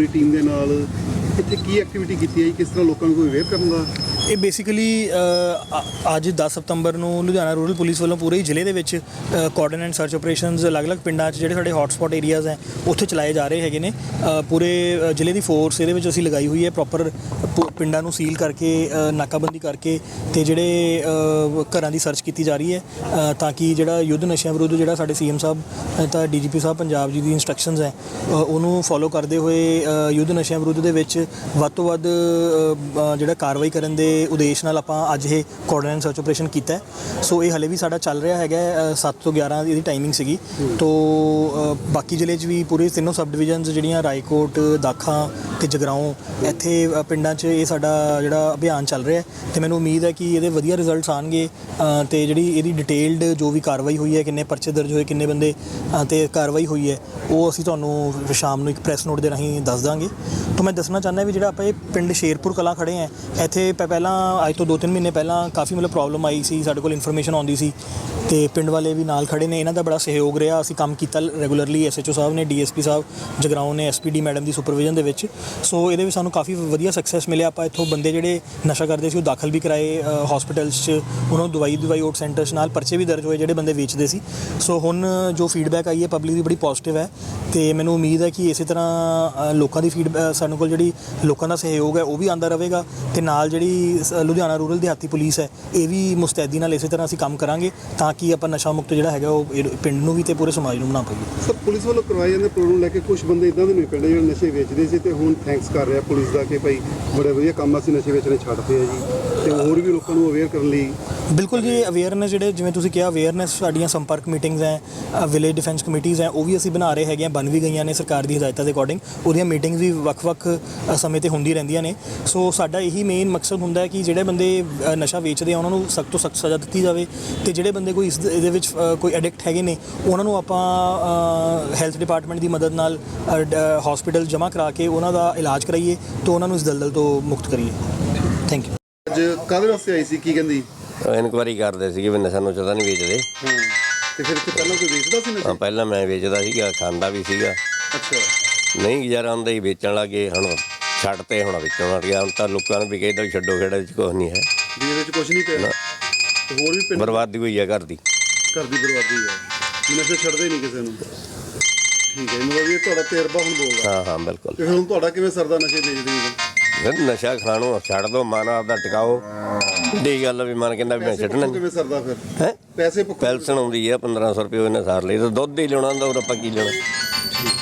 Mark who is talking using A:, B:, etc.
A: Team ਦੇ ਨਾਲ ਇੱਥੇ ਕੀ ਐਕਟੀਵਿਟੀ ਕੀਤੀ ਹੈ ਜੀ? ਕਿਸ ਤਰ੍ਹਾਂ ਲੋਕਾਂ ਨੂੰ ਕੋਈ ਅਵੇਅਰ ਕਰਨ ਦਾ?
B: ਇਹ ਬੇਸਿਕਲੀ ਅੱਜ 10 ਸਤੰਬਰ ਨੂੰ ਲੁਧਿਆਣਾ ਰੂਰਲ ਪੁਲਿਸ ਵੱਲੋਂ ਪੂਰੇ ਜ਼ਿਲ੍ਹੇ ਦੇ ਵਿੱਚ ਕੋਆਰਡੀਨੇਟ ਐਂਡ ਸਰਚ ਆਪਰੇਸ਼ਨਸ ਅਲੱਗ-ਅਲੱਗ ਪਿੰਡਾਂ 'ਚ ਜਿਹੜੇ ਸਾਡੇ ਹੌਟਸਪੌਟ ਏਰੀਆਜ਼ ਹੈ ਉੱਥੇ ਚਲਾਏ ਜਾ ਰਹੇ ਹੈਗੇ ਨੇ। ਪੂਰੇ ਜ਼ਿਲ੍ਹੇ ਦੀ ਫੋਰਸ ਇਹਦੇ ਵਿੱਚ ਅਸੀਂ ਲਗਾਈ ਹੋਈ ਹੈ, ਪ੍ਰੋਪਰ ਪਿੰਡਾਂ ਨੂੰ ਸੀਲ ਕਰਕੇ ਨਾਕਾਬੰਦੀ ਕਰਕੇ ਤੇ ਜਿਹੜੇ ਘਰਾਂ ਦੀ ਸਰਚ ਕੀਤੀ ਜਾ ਰਹੀ ਹੈ ਤਾਂ ਕਿ ਜਿਹੜਾ ਯੁੱਧ ਨਸ਼ਿਆਂ ਵਿਰੁੱਧ ਜਿਹੜਾ ਸਾਡੇ ਸੀਐਮ ਸਾਹਿਬ ਤਾਂ ਡੀਜੀਪੀ ਸਾਹਿਬ ਪੰਜਾਬ ਜੀ ਦੀ ਇੰਸਟਰਕਸ਼ਨਸ ਹੈ ਉਹਨੂੰ ਫੋਲੋ ਕਰਦੇ ਹੋਏ ਯੁੱਧ ਨਸ਼ਿਆਂ ਵਿਰੁੱਧ ਦੇ ਵਿੱਚ ਵੱਧ ਤੋਂ ਵੱਧ ਜਿਹੜਾ ਕਾਰਵਾਈ ਕਰਨ ਦੇ ਉਦੇਸ਼ ਨਾਲ ਆਪਾਂ ਅੱਜ ਇਹ ਕੋਆਰਡੀਨੇਟ ਸਰਚ ਆਪਰੇਸ਼ਨ ਕੀਤਾ ਹੈ। ਸੋ ਇਹ ਹਲੇ ਵੀ ਸਾਡਾ ਚੱਲ ਰਿਹਾ ਹੈਗਾ 7 ਤੋਂ 11 ਇਹਦੀ ਟਾਈਮਿੰਗ ਸੀਗੀ। ਤੋਂ ਬਾਕੀ ਜ਼ਿਲ੍ਹੇ 'ਚ ਵੀ ਪੂਰੇ ਤਿੰਨੋਂ ਸਬ ਡਿਵੀਜ਼ਨਸ ਜਿਹੜੀਆਂ ਰਾਏਕੋਟ, ਦਾਖਾ ਤੇ ਜਗਰਾਓਂ ਇੱਥੇ ਪਿੰਡਾਂ 'ਚ ਇਹ ਸਾਡਾ ਜਿਹੜਾ ਅਭਿਆਨ ਚੱਲ ਰਿਹਾ ਤੇ ਮੈਨੂੰ ਉਮੀਦ ਹੈ ਕਿ ਇਹਦੇ ਵਧੀਆ ਰਿਜ਼ਲਟਸ ਆਉਣਗੇ ਤੇ ਜਿਹੜੀ ਇਹਦੀ ਡਿਟੇਲਡ ਜੋ ਵੀ ਕਾਰਵਾਈ ਹੋਈ ਹੈ, ਕਿੰਨੇ ਪਰਚੇ ਦਰਜ ਹੋਏ, ਕਿੰਨੇ ਬੰਦੇ ਤੇ ਕਾਰਵਾਈ ਹੋਈ ਹੈ, ਉਹ ਅਸੀਂ ਤੁਹਾਨੂੰ ਸ਼ਾਮ ਨੂੰ ਇੱਕ ਪ੍ਰੈਸ ਨੋਟ ਦੇ ਰਾਹੀਂ ਦੱਸ ਦਾਂਗੇ। ਤਾਂ ਮੈਂ ਦੱਸਣਾ ਚਾਹੁੰਦਾ ਵੀ ਜਿਹੜਾ ਆਪਾਂ ਇਹ ਪਿੰਡ ਸ਼ੇਰਪੁਰ ਕਲਾਂ ਖੜੇ ਹਾਂ ਇੱਥੇ ਪਹਿਲਾਂ ਅੱਜ ਤੋਂ 2-3 ਮਹੀਨੇ ਪਹਿਲਾਂ ਕਾਫੀ ਮਤਲਬ ਪ੍ਰੋਬਲਮ ਆਈ ਸੀ, ਸਾਡੇ ਕੋਲ ਇਨਫੋਰਮੇਸ਼ਨ ਆਉਂਦੀ ਸੀ ਤੇ ਪਿੰਡ ਵਾਲੇ ਵੀ ਨਾਲ ਖੜੇ ਨੇ, ਇਹਨਾਂ ਦਾ ਬੜਾ ਸਹਿਯੋਗ ਰਿਹਾ। ਅਸੀਂ ਕੰਮ ਕੀਤਾ ਰੈਗੂਲਰਲੀ, ਐਸਐਚਓ ਸਾਹਿਬ ਨੇ, ਡੀਐਸਪੀ ਸਾਹਿਬ ਜਗਰਾਓਂ ਨੇ, ਐਸਪੀਡੀ ਮੈਡਮ ਦੀ ਸੁਪਰਵਿਜ਼ਨ ਦੇ ਵਿੱਚ। ਸੋ ਇਹਦੇ ਵਿੱਚ ਸਾਨੂੰ ਕਾਫੀ ਵਧੀਆ ਸਕਸੈਸ ਮਿਲਿਆ। ਆਪਾਂ ਇੱਥੋਂ ਬੰਦੇ ਜਿਹੜੇ ਨਸ਼ਾ ਕਰਦੇ ਸੀ ਉਹ ਦਾਖਲ ਵੀ ਕਰਾਏ ਹਸਪੀਟਲਸ 'ਚ, ਉਹਨਾਂ ਨੂੰ ਦਵਾਈ ਓਟ ਸੈਂਟਰਸ ਨਾਲ ਪਰਚੇ ਵੀ ਦਰਜ ਹੋਏ ਜਿਹੜੇ ਬੰਦੇ ਵੇਚਦੇ ਸੀ। ਸੋ ਹੁਣ ਜੋ ਫੀਡਬੈਕ ਆਈ ਹੈ ਪਬਲਿਕ ਦੀ ਬੜੀ ਪੋਜ਼ਿਟਿਵ ਹੈ ਤੇ ਮੈਨੂੰ ਉਮੀਦ ਹੈ ਕਿ ਇਸੇ ਤਰ੍ਹਾਂ ਲੋਕਾਂ ਦੀ ਫੀਡਬੈਕ ਸਾਡੇ ਕੋਲ ਜਿਹੜੀ ਲੋਕਾਂ ਦਾ ਸਹਿਯੋਗ ਹੈ ਉਹ ਵੀ ਆਉਂਦਾ ਰਹੇਗਾ ਤੇ ਨਾਲ ਜਿਹੜੀ ਲੁਧਿਆਣਾ ਰੂਰਲ ਦਿਹਾਤੀ ਪੁਲਿਸ ਹੈ ਇਹ ਵੀ ਮੁਸਤੈਦੀ ਨਾਲ ਇਸੇ ਤਰ੍ਹਾਂ ਅਸੀਂ ਕੰਮ ਕਰਾਂਗੇ ਤਾਂ ਕਿ ਆਪਾਂ ਨਸ਼ਾ ਮੁਕਤ ਜਿਹੜਾ ਹੈਗਾ ਉਹ ਪਿੰਡ ਨੂੰ ਵੀ ਤੇ ਪੂਰੇ ਸਮਾਜ ਨੂੰ ਬਣਾ ਪਾਈਏ।
A: ਸਰ, ਪੁਲਿਸ ਵੱਲੋਂ ਕਰਵਾਏ ਜਾਂਦੇ ਪ੍ਰੋਗਰਾਮ ਲੈ ਕੇ ਕੁਝ ਬੰਦੇ ਇਦਾਂ ਦੇ ਨੇ ਪਿੰਡ ਜਿਹੜੇ ਨਸ਼ੇ ਵੇਚਦੇ ਸੀ ਤੇ ਹੁਣ ਥੈਂਕਸ ਕਰ ਰਿਹਾ ਪੁਲਿਸ ਦਾ ਕਿ ਭਾਈ ਬੜੇ ਵਧੀਆ ਕੰਮ ਅਸੀਂ ਨਸ਼ੇ ਵੇਚਣੇ ਛੱਡਦੇ ਆ ਜੀ, ਤੇ ਹੋਰ ਵੀ ਲੋਕਾਂ ਨੂੰ ਅਵੇਅਰ ਕਰਨ ਲਈ।
B: ਬਿਲਕੁਲ ਜੀ, ਅਵੇਅਰਨੈਸ ਜਿਹੜੇ ਜਿਵੇਂ ਤੁਸੀਂ ਕਿਹਾ ਅਵੇਅਰਨੈਸ ਸਾਡੀਆਂ ਸੰਪਰਕ ਮੀਟਿੰਗਸ ਹੈ, ਵਿਲੇਜ ਡਿਫੈਂਸ ਕਮੇਟੀਜ਼ ਹੈ, ਉਹ ਵੀ ਅਸੀਂ ਬਣਾ ਰਹੇ ਹੈਗੇ ਹਾਂ, ਬਣ ਵੀ ਗਈਆਂ ਨੇ ਸਰਕਾਰ ਦੀ ਹਦਾਇਤਾਂ ਦੇ ਅਕੋਰਡਿੰਗ। ਉਹਦੀਆਂ ਮੀਟਿੰਗਸ ਵੀ ਵੱਖ-ਵੱਖ ਸਮੇਂ 'ਤੇ ਹੁੰਦੀ ਰਹਿੰਦੀਆਂ ਨੇ। ਸੋ ਸਾਡਾ ਇਹੀ ਮੇਨ ਮਕਸਦ ਹੁੰਦਾ ਹੈ ਕਿ ਜਿਹੜੇ ਬੰਦੇ ਨਸ਼ਾ ਵੇਚਦੇ ਆ ਉਹਨਾਂ ਨੂੰ ਸਖਤ ਤੋਂ ਸਖਤ ਸਜ਼ਾ ਦਿੱਤੀ ਜਾਵੇ ਤੇ ਜਿਹੜੇ ਬੰਦੇ ਕੋਈ ਇਹਦੇ ਵਿੱਚ ਕੋਈ ਐਡਿਕਟ ਹੈਗੇ ਨੇ ਉਹਨਾਂ ਨੂੰ ਆਪਾਂ ਹੈਲਥ ਡਿਪਾਰਟਮੈਂਟ ਦੀ ਮਦਦ ਨਾਲ ਹਸਪੀਟਲ ਜਮ੍ਹਾਂ ਕਰਾ ਕੇ ਉਹਨਾਂ ਦਾ ਇਲਾਜ ਕਰਾਈਏ ਤੇ ਉਹਨਾਂ ਨੂੰ ਇਸ ਦਲਦਲ ਤੋਂ ਮੁਕਤ ਕਰੀਏ। Thank you.
A: ਅੱਜ ਕਾਹਦੇ ਵਾਸਤੇ ਆਈ ਸੀ, ਕੀ ਕਹਿੰਦੀ?
C: ਇਨਕੁਆਇਰੀ ਕਰਦੇ ਸੀਗੇ ਵੀ ਨਸ਼ਾ ਨੁਸ਼ਾ ਤਾਂ ਨਹੀਂ ਵੇਚਦੇ।
A: ਹਾਂ, ਤੇ ਫਿਰ ਇੱਥੇ ਪਹਿਲਾਂ ਕੋਈ ਵੇਚਦਾ ਸੀ ਨਸ਼ਾ?
C: ਪਹਿਲਾਂ ਮੈਂ ਵੇਚਦਾ ਸੀਗਾ, ਖਾਂਦਾ ਵੀ ਸੀਗਾ।
A: ਅੱਛਾ।
C: ਨਹੀਂ ਗੁਜ਼ਾਰਾ ਹੁੰਦਾ ਹੀ ਵੇਚਣ ਲੱਗੇ, ਹੁਣ ਛੱਡ ਤੇ ਹੁਣ ਵੇਚਣ ਲੱਗ ਗਿਆ। ਹੁਣ ਤਾਂ ਲੋਕਾਂ ਨੂੰ ਵੀ ਕਹਿੰਦਾ ਵੀ ਛੱਡੋ ਖੇੜਾ ਵਿੱਚ ਕੁਛ ਨਹੀਂ ਹੈ,
A: ਵੀ ਇਹਦੇ ਵਿੱਚ ਕੁਝ ਨਹੀਂ ਪਿਆ ਤੇ ਹੋਰ ਵੀ ਪਿੰਡ
C: ਬਰਬਾਦੀ ਹੋਈ ਹੈ ਘਰ ਦੀ
A: ਬਰਬਾਦੀ ਹੈ, ਨਸ਼ਾ ਛੱਡਦੇ ਨਹੀਂ ਕਿਸੇ ਨੂੰ। ਠੀਕ ਹੈ, ਮਤਲਬ ਇਹ ਤੁਹਾਡਾ ਤਜਰਬਾ ਹੁਣ ਬੋਲਦਾ।
C: ਹਾਂ ਬਿਲਕੁਲ।
A: ਤੇ ਹੁਣ ਤੁਹਾਡਾ ਕਿਵੇਂ ਸਰਦਾ ਨਸ਼ੇ ਵੇਚਦੇ ਹੋ?
C: ਨਸ਼ਾ ਖਾਣੋ ਛੱਡ ਦੋ, ਮਨ ਆਪਦਾ ਟਿਕਾਓ। ਦੀ ਗੱਲ ਵੀ ਮਨ ਕਹਿੰਦਾ ਵੀ ਮੈਂ ਛੱਡਣਾ।
A: ਕਿਵੇਂ ਸਰਦਾ ਫਿਰ?
C: ਹੈ
A: ਪੈਸੇ
C: ਪੈਨਸ਼ਨ ਆਉਂਦੀ ਹੈ 1500 ਰੁਪਏ ਉਹਨੇ ਸਾਰ ਲਈ, ਤਾਂ ਦੁੱਧ ਹੀ ਲੈਣਾ ਹੁੰਦਾ, ਹੋਰ ਆਪਾਂ ਕੀ ਲੈਣਾ।